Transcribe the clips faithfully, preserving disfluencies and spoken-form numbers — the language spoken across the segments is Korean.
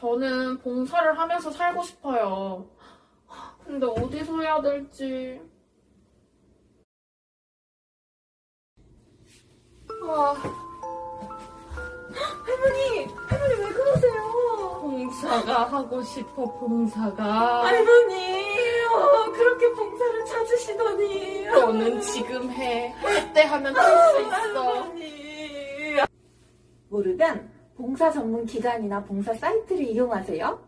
저는 봉사를 하면서 살고 싶어요. 근데 어디서 해야 될지. 아, 할머니! 할머니 왜 그러세요? 봉사가 하고 싶어, 봉사가. 할머니! 어, 그렇게 봉사를 찾으시더니. 너는 지금 해. 할 때 하면 할 수 있어. 할머니. 모르면 봉사 전문 기관이나 봉사 사이트를 이용하세요.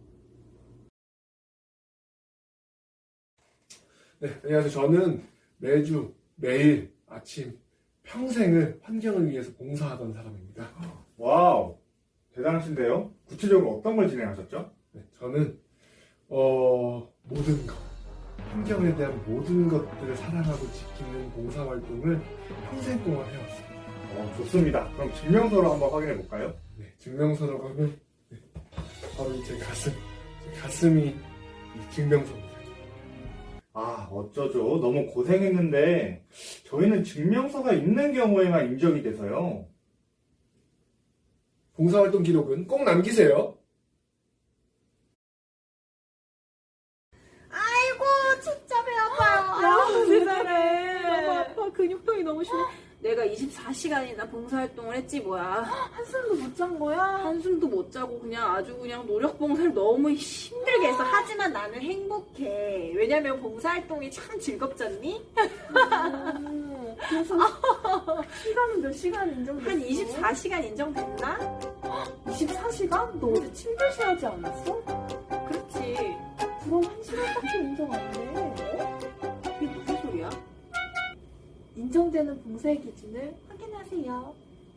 네, 안녕하세요. 저는 매주, 매일, 아침, 평생을 환경을 위해서 봉사하던 사람입니다. 와우, 대단하신데요? 구체적으로 어떤 걸 진행하셨죠? 네, 저는, 어, 모든 것, 환경에 대한 모든 것들을 사랑하고 지키는 봉사활동을 평생 동안 해왔습니다. 어, 좋습니다. 그럼 증명서로 한번 확인해 볼까요? 네, 증명서로 가면, 네, 바로 제 가슴, 제 가슴이 이 증명서입니다. 아, 어쩌죠. 너무 고생했는데 저희는 증명서가 있는 경우에만 인정이 돼서요. 봉사활동 기록은 꼭 남기세요. 아이고, 진짜 배 아파요. 아유, 세상에. 너무 아파. 근육통이 너무 심해. 내가 이십사 시간이나 봉사활동을 했지 뭐야. 한숨도 못 잔 거야? 한숨도 못 자고 그냥 아주 그냥 노력 봉사를 너무 힘들게 했어. 하지만 나는 행복해. 왜냐면 봉사활동이 참 즐겁잖니? 음, 그래서 시간은 몇 시간 인정됐어? 한 이십사 시간 인정됐나? 이십사 시간? 너 어제 침대시 하지 않았어? 그렇지. 그럼 한 시간밖에 인정 안 돼. 이게 무슨 소리야? 인정되는 봉사의 기준을 확인하세요.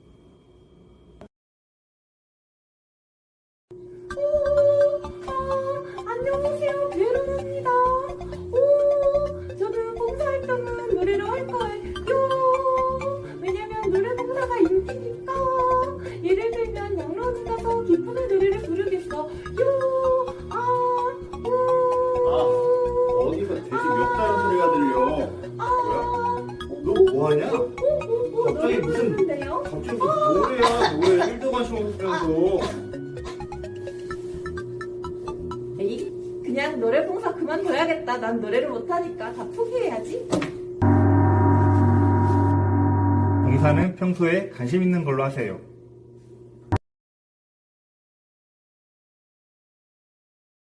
오, 아, 안녕하세요. 베로나입니다. 오, 저는 봉사활동은 노래로 할 거예요. 왜냐면 노래 봉사가 인기니까. 예를 들면 양로원 가서 기쁨의 노래를 부르겠어. 요, 아, 우. 아, 어디서 돼지 몇 다른 소리가 들려. 뭐야? 너 뭐하냐? 갑자기 무슨- 노래요? 갑자기 무슨 노래야, 노래. 일도 관심 없으면서. 에이, 그냥 노래 봉사 그만둬야겠다. 난 노래를 못하니까 다 포기해야지. 봉사는 평소에 관심 있는 걸로 하세요.